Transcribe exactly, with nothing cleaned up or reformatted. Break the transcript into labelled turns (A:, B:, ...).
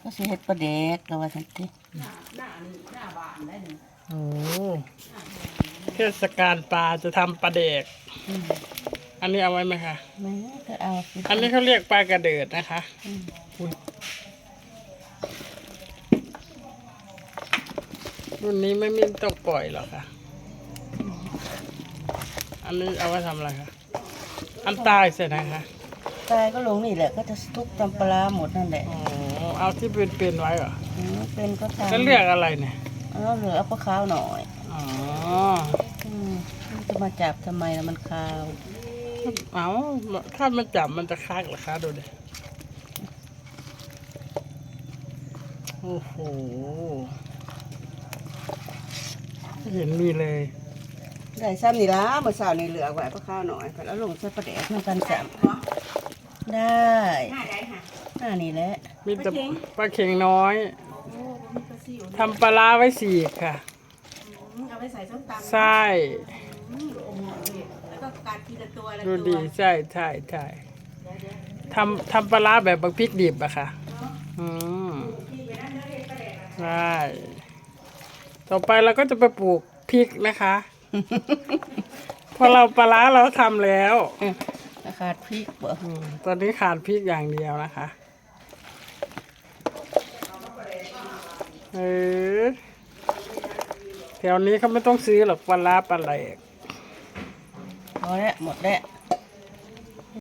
A: ก็สิเฮ็ดปลาแดกก็ว่าจังซี่
B: โอ้เทศกาลปลาจะทำปลาเด็กอันนี้เอาไว้ไหมคะ
A: แม่ก็เอาสิ
B: อันนี้เขาเรียกปลากระเดิดนะคะอุ๊ยรุ่นนี้ไม่มีต้องปล่อยหรอกค่ะ อันนี้เอาไว้ทำอะไรคะอันตายเสร็จนะคะ
A: ตายก็ลงนี่แหละก็จะทุกตำปลาร้าหมดนั่นแหละ
B: อ๋อเอาที่เป็นๆไว้เหรอ
A: อืมเป็นก็ทำ
B: ก็เรียกอะไรเนี่ย
A: เอาเหลือเอาปลาขาวหน่อย
B: อ๋อ
A: อืมมันจะมาจับทำไมล่ะมันขาว
B: เอาถ้ามันจับมันจะคักเหรอคะดูดิโอ้โหไม่เห็นมีเลย
A: ได้ซ้ำนี่ละเมื่อเช้านี่เหลือไว้ปลาขาวหน่อยไปแล้วลงใส่ปลาแดกน้ำกันจับได้หน้านี่แหละ
B: มีแต่ปลาเข็งน้อยทำปลาร้าไว้สี่ค่ะ
A: เอาไปใส่ส้มตำ
B: ใช่
A: แล้วก็กัดทีละตัวละ
B: ดู
A: ตัว
B: ดีใช่ใช่ใช่ทำทำปลาร้าแบบบักพริกดิบอะค่ะอืมใช่ต่อไปเราก็จะไปปลูกพริกนะคะพอเราปลาร้าเราทำแล้ว
A: ขาดพริกบ่
B: อืมตอนนี้ขาดพริกอย่างเดียวนะคะเออแถวนี้เขาไม่ต้องซื้อหรอกปลาร้าปลาไหล
A: พอแล้วหมดแล้ว